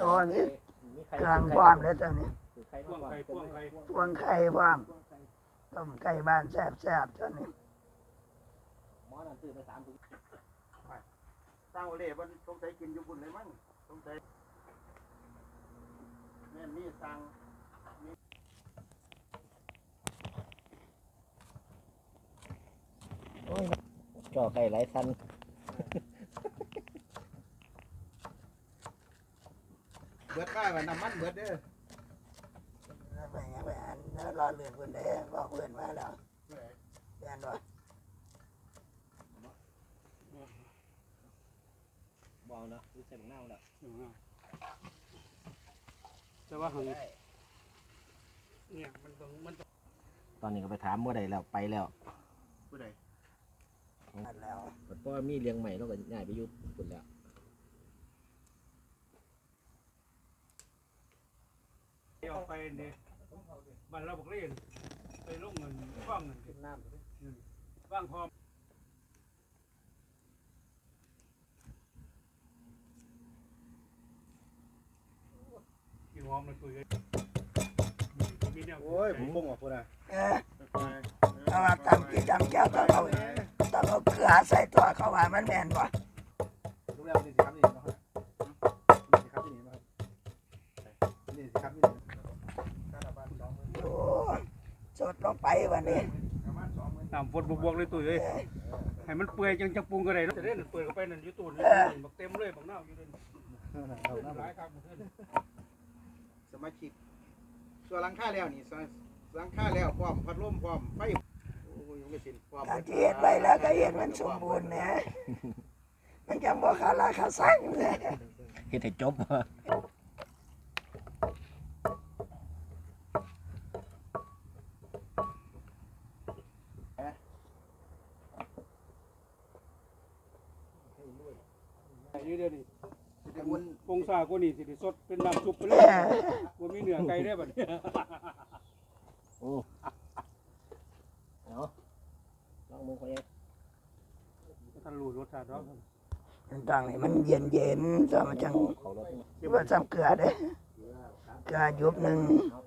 ตัวนี้เครื่องความเลยตัวนี้พวงไข่พวงต้มไก่บ้านแซ่บๆตัวนี้หมอนั่นซื้อไป3 ถุงตั้งโอเล่มันสงสัยกินอยู่บุญเลยมั้งสงสัยแม่นี่สั่งโอ้ยจ่อไก่หลายสันเบิดข้าวน้ำมันเบิดเด้อไปอันแล้วรอเลื่อนคนเด้บอกเลื่อนมาแล้วเลื่อนด้วยบอลเนาะดูเส้นหน้าแล้วแต่ว่าเนี่ยมันตอนนี้ก็ไปถามเมื่อใดแล้วไปแล้วผู้ใดแล้วเพราะว่ามีเลี้ยงใหม่แล้วก็ย้ายไปอยู่ปุ่นแล้วออกไปเนี่ยบ้านเราบอกเล่นไปลงเงินว่างเงินน้ำว่างพร้อมกินหอมเลยคุยกันโอ้ยผมงงอ่ะพูดนะเอามาตำกินตำแก้วต้องเอาเกลือใส่ตัวเขาว่ามันแม่นบ่รู้แล้วนี่สิครับนี่นะครับนี่สิครับนี่นะครับนี่สิครับนี่โอ้สดลงไปวันนี้น้ำฝนบวกเลยตุ้ยเลยให้มันเปื่อยจังปรุงก็ได้จะได้เปื่อยเข้าไปนั่นอยู่ตู้นี่บักเต็มเลยบักน้ำอยู่เลยหลายครับสมาชิกส่วนหลังคาแล้วนี่หลังคาแล้วพร้อมพัดลมพร้อมไฟโอ้ยยังไม่สิ้นพร้อมถ้าเฮ็ดไว้แล้วก็เฮ็ดมันสมบูรณ์นะมันจังบ่ขาดราคาสั่งเลยเฮ็ดให้จบนี่เดี๋ยวนี้ปงซากูนี่สิสดเป็นน้ำซุปไปเลยกูมีเนื้อไก่ได้บัดนี้โอ้เนาะลองมือเขาเองท่านรู้รสชาติเนาะมันต้องให้มันเย็นๆซะมันจังว่าซ้ำเกลือเด้เกลือยุบนึง